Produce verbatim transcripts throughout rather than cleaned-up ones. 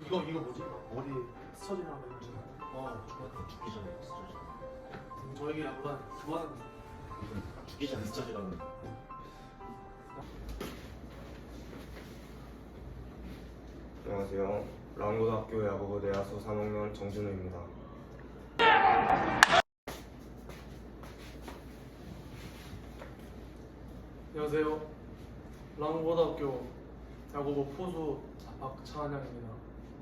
이거 이거 뭐지? 머리 스쳐지라는 거 있잖아. 어, 중학교 죽기 전에 스쳐지. 저에게 약간 좋아하는 죽기 전에 스쳐지라는. 안녕하세요. 랑고등학교 야구부 내야수 삼 학년 정진우입니다. 안녕하세요. 랑고등학교 야구부 포수 박차한양입니다.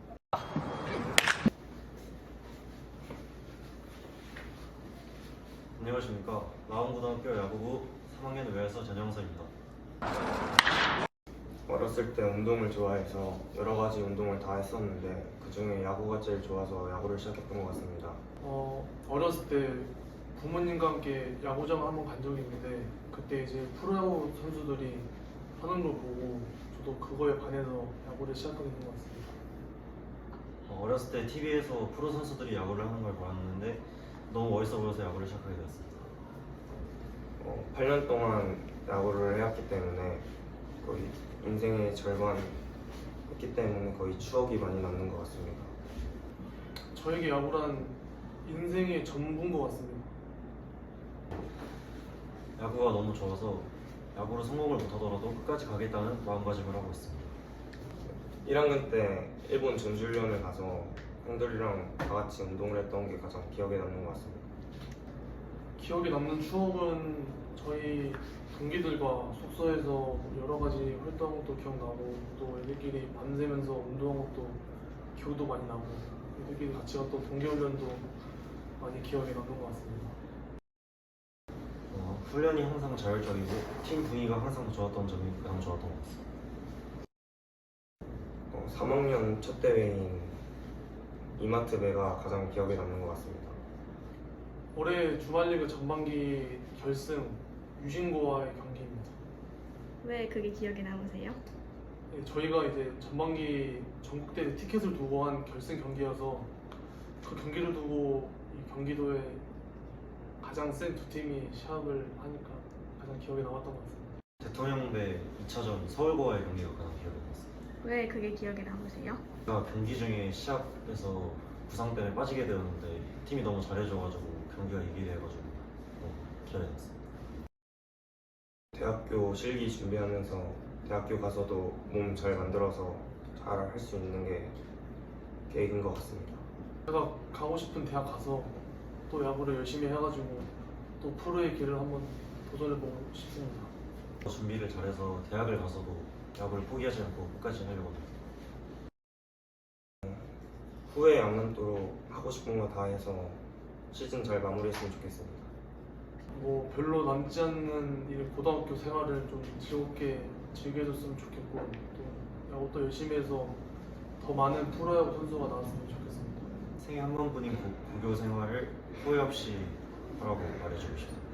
안녕하십니까. 라온고등학교 야구부 삼 학년 외야수 전영서입니다. 어렸을 때 운동을 좋아해서 여러 가지 운동을 다 했었는데 그 중에 야구가 제일 좋아서 야구를 시작했던 것 같습니다. 어, 어렸을 때 부모님과 함께 야구장을 한번 간 적이 있는데 그때 이제 프로야구 선수들이 하는 걸 보고 저도 그거에 반해서 야구를 시작하게 된 것 같습니다. 어, 어렸을 때 티비에서 프로 선수들이 야구를 하는 걸 봤는데 너무 멋있어 보여서 야구를 시작하게 되었습니다. 어, 팔 년 동안 야구를 해왔기 때문에 거의 인생의 절반 했기 때문에 거의 추억이 많이 남는 것 같습니다. 저에게 야구란 인생의 전부인 것 같습니다. 야구가 너무 좋아서 야구로 성공을 못하더라도 끝까지 가겠다는 마음가짐을 하고 있습니다. 일 학년 때 일본 전지훈련을 가서 형들이랑 다 같이 운동을 했던 게 가장 기억에 남는 것 같습니다. 기억에 남는 추억은 저희 동기들과 숙소에서 여러 가지 활동한 것도 기억나고 또 애들끼리 밤새면서 운동한 것도 기억도 많이 나고 애들끼리 같이 갔던 동계훈련도 많이 기억에 남는 것 같습니다. 어, 훈련이 항상 자율적이고 팀 분위기가 항상 좋았던 점이 가장 좋았던 것 같습니다. 어, 삼 학년 첫 대회인 이마트배가 가장 기억에 남는 것 같습니다. 올해 주말리그 전반기 결승 유진고와의 경기입니다. 왜 그게 기억에 남으세요? 네, 저희가 이제 전반기 전국대회 티켓을 두고 한 결승 경기여서 그 경기를 두고 이 경기도에 가장 센 두 팀이 시합을 하니까 가장 기억에 남았던 것 같습니다. 대통령배 이 차전 서울고와의 경기가 가장 기억에 남았습니다. 왜 그게 기억에 남으세요? 제가 경기 중에 시합에서 부상 때문에 빠지게 되었는데 팀이 너무 잘해줘가지고 경기가 이기게 해가지고 너무 기억에 남았습니다. 대학교 실기 준비하면서 대학교 가서도 몸 잘 만들어서 잘 할 수 있는 게 계획인 것 같습니다. 제가 가고 싶은 대학 가서 또 야구를 열심히 해가지고 또 프로의 길을 한번 도전해보고 싶습니다. 준비를 잘해서 대학을 가서도 야구를 포기하지 않고 끝까지 하려고 합니다. 후회 안 남도록 하고 싶은 거 다 해서 시즌 잘 마무리했으면 좋겠습니다. 뭐 별로 남지 않는 이 고등학교 생활을 좀 즐겁게 즐겨줬으면 좋겠고 또 야구 또 열심히 해서 더 많은 프로야구 선수가 나왔으면 좋겠습니다. 생애 한 번뿐인 고- 고교 생활을 후회 없이 하라고 말해주고 싶습니다.